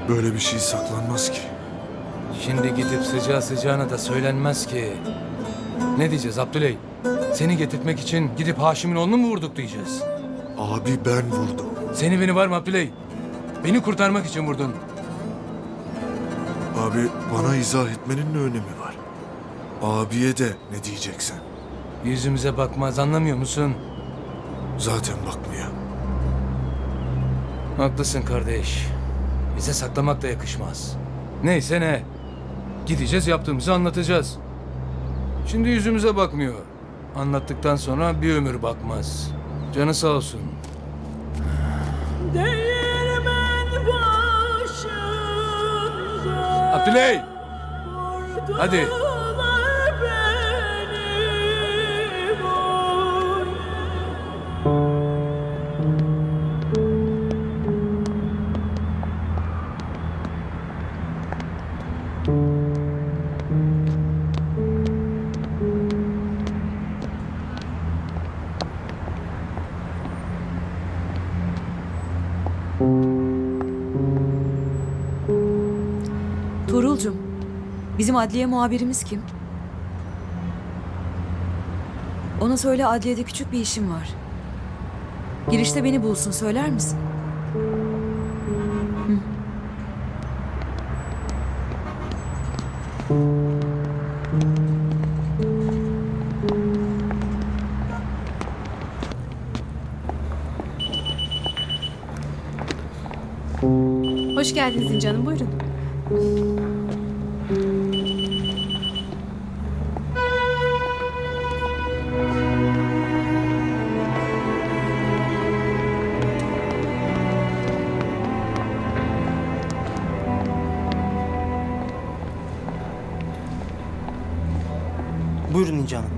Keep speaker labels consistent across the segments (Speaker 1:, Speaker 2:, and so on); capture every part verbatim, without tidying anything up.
Speaker 1: Böyle bir şey saklanmaz ki.
Speaker 2: Şimdi gidip sıcağı sıcağına da söylenmez ki. Ne diyeceğiz Abdüley? Seni getirtmek için gidip Haşim'in oğlunu mu vurduk diyeceğiz?
Speaker 1: Abi ben vurdum.
Speaker 2: Seni beni var mı Abdüley? Beni kurtarmak için vurdun.
Speaker 1: Abi bana izah etmenin ne önemi var? Abiye de ne diyeceksin?
Speaker 2: Yüzümüze bakmaz, anlamıyor musun?
Speaker 1: Zaten bakmıyor.
Speaker 2: Haklısın kardeş. Bize saklamak da yakışmaz. Neyse ne. Gideceğiz, yaptığımızı anlatacağız. Şimdi yüzümüze bakmıyor. Anlattıktan sonra bir ömür bakmaz. Canı sağ olsun.
Speaker 3: Değirmen başında
Speaker 2: Abdüley! Hadi.
Speaker 3: vurdular beni, vur.
Speaker 4: Tuğrul'cum, bizim adliye muhabirimiz kim? Ona söyle adliyede küçük bir işim var. Girişte beni bulsun, söyler misin? Hı.
Speaker 5: Hoş geldiniz İnci Hanım, buyurun.
Speaker 6: Buyurun İnci Hanım.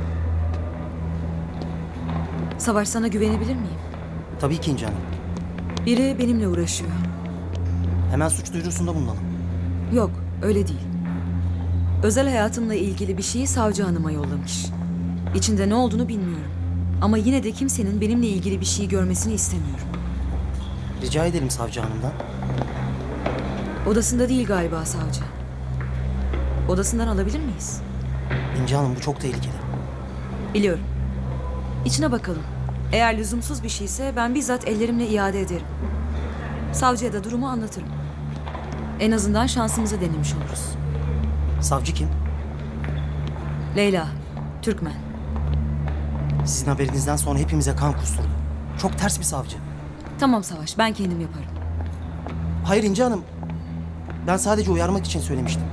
Speaker 4: Savaş, sana güvenebilir miyim?
Speaker 6: Tabii ki İnci Hanım.
Speaker 4: Biri benimle uğraşıyor.
Speaker 6: Hemen suç duyurusunda bulunalım.
Speaker 4: Yok, öyle değil. Özel hayatımla ilgili bir şeyi savcı hanıma yollamış. İçinde ne olduğunu bilmiyorum. Ama yine de kimsenin benimle ilgili bir şey görmesini istemiyorum.
Speaker 6: Rica edelim savcı hanımdan.
Speaker 4: Odasında değil galiba savcı. Odasından alabilir miyiz?
Speaker 6: İnci Hanım bu çok tehlikeli.
Speaker 4: Biliyorum. İçine bakalım. Eğer lüzumsuz bir şeyse ben bizzat ellerimle iade ederim. Savcıya da durumu anlatırım. En azından şansımızı denemiş oluruz.
Speaker 6: Savcı kim?
Speaker 4: Leyla, Türkmen.
Speaker 6: Sizin haberinizden sonra hepimize kan kusturdu. Çok ters bir savcı.
Speaker 4: Tamam Savaş, ben kendim yaparım.
Speaker 6: Hayır İnci Hanım. Ben sadece uyarmak için söylemiştim.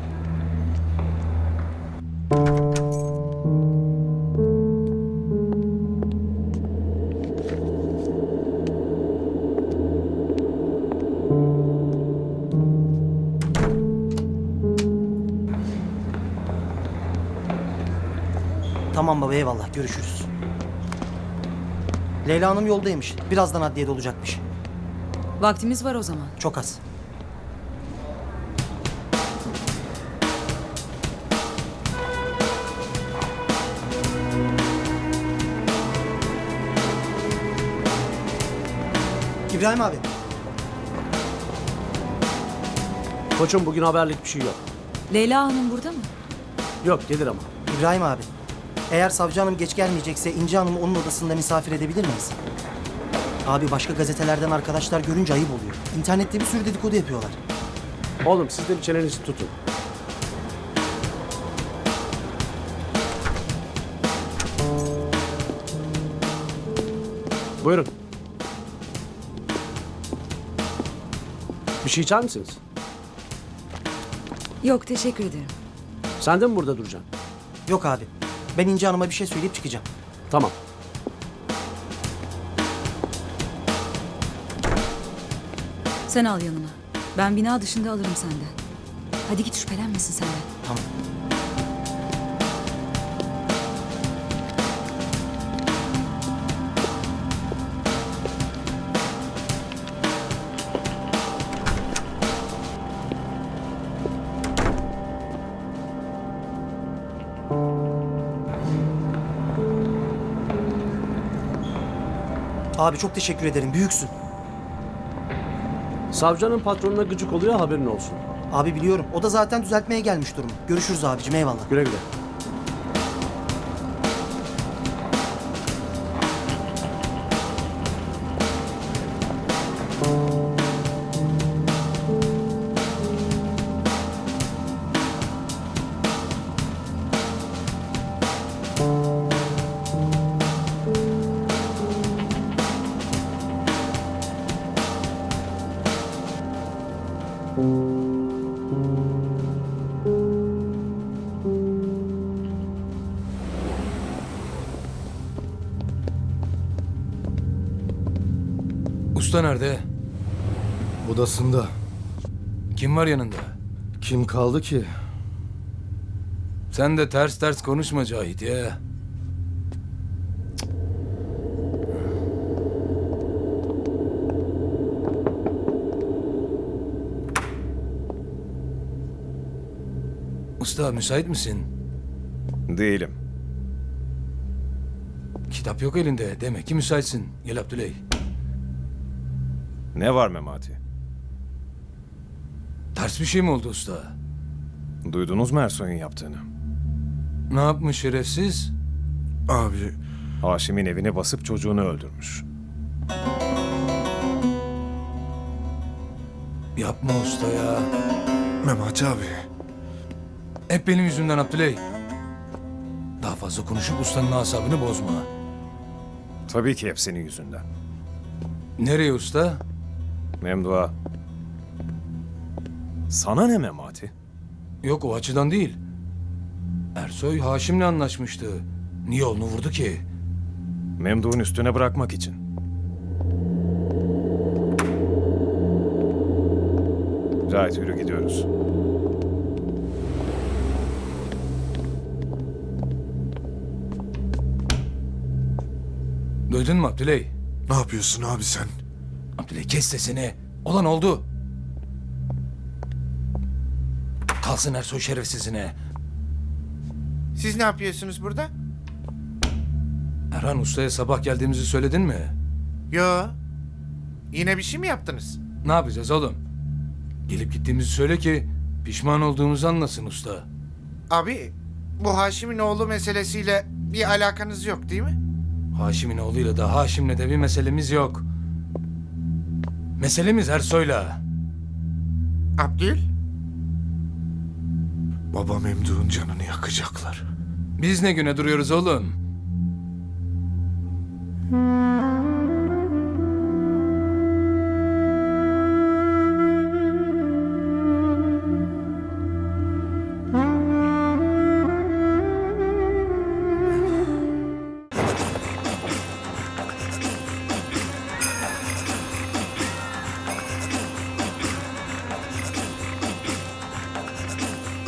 Speaker 6: Tamam baba, eyvallah, görüşürüz. Leyla Hanım yoldaymış. Birazdan adliyede olacakmış.
Speaker 4: Vaktimiz var o zaman.
Speaker 6: Çok az. İbrahim abi.
Speaker 7: Koçum bugün haberlik bir şey yok.
Speaker 4: Leyla Hanım burada mı?
Speaker 7: Yok gelir ama.
Speaker 6: İbrahim abi. Eğer savcı hanım geç gelmeyecekse İnci Hanım'ı onun odasında misafir edebilir miyiz? Abi başka gazetelerden arkadaşlar görünce ayıp oluyor. İnternette bir sürü dedikodu yapıyorlar.
Speaker 7: Oğlum siz de bir çenenizi tutun. Buyurun. Bir şey içer misiniz?
Speaker 4: Yok, teşekkür ederim.
Speaker 7: Sen de mi burada duracaksın?
Speaker 6: Yok abi. Ben İnci Hanım'a bir şey söyleyip çıkacağım.
Speaker 7: Tamam.
Speaker 4: Sen al yanına. Ben bina dışında alırım senden. Hadi git, şüphelenmesin senden.
Speaker 6: Tamam. Abi çok teşekkür ederim. Büyüksün.
Speaker 7: Savcının patronuna gıcık oluyor, haberin olsun.
Speaker 6: Abi biliyorum. O da zaten düzeltmeye gelmiş durum. Görüşürüz abicim, eyvallah.
Speaker 7: Güle güle.
Speaker 2: Usta nerede?
Speaker 1: Odasında.
Speaker 2: Kim var yanında?
Speaker 1: Kim kaldı ki?
Speaker 2: Sen de ters ters konuşma Cahit ya. Usta müsait misin?
Speaker 8: Değilim.
Speaker 2: Kitap yok elinde. Demek ki müsaitsin. Gel Abdüley.
Speaker 8: Ne var Memati?
Speaker 2: Ters bir şey mi oldu usta?
Speaker 8: Duydunuz mu Ersoy'un yaptığını?
Speaker 2: Ne yapmış şerefsiz?
Speaker 1: Abi,
Speaker 8: Haşim'in evine basıp çocuğunu öldürmüş.
Speaker 2: Yapma usta ya.
Speaker 1: Memati abi.
Speaker 2: Hep benim yüzümden Abdüley. Daha fazla konuşup ustanın asabını bozma.
Speaker 8: Tabii ki hep senin yüzünden.
Speaker 2: Nereye usta?
Speaker 8: Memduha. Sana ne Memati?
Speaker 2: Yok o açıdan değil. Ersoy Haşim'le anlaşmıştı. Niye onu vurdu ki?
Speaker 8: Memduh'un üstüne bırakmak için. Cahit yürü gidiyoruz.
Speaker 2: Duydun mu Abdüley?
Speaker 1: Ne yapıyorsun abi sen?
Speaker 2: Abdüley kes sesini. Olan oldu. Kalsın Ersoy şerefsizine.
Speaker 9: Siz ne yapıyorsunuz burada?
Speaker 2: Erhan Usta'ya sabah geldiğimizi söyledin mi?
Speaker 9: Yo. Yine bir şey mi yaptınız?
Speaker 2: Ne yapacağız oğlum? Gelip gittiğimizi söyle ki pişman olduğumuzu anlasın usta.
Speaker 9: Abi, bu Haşim'in oğlu meselesiyle bir alakanız yok değil mi?
Speaker 2: Haşim'in oğluyla da Haşim'le de bir meselemiz yok. Meselemiz Ersoy'la.
Speaker 9: Abdül?
Speaker 1: Baba Memduh'un canını yakacaklar.
Speaker 2: Biz ne güne duruyoruz oğlum?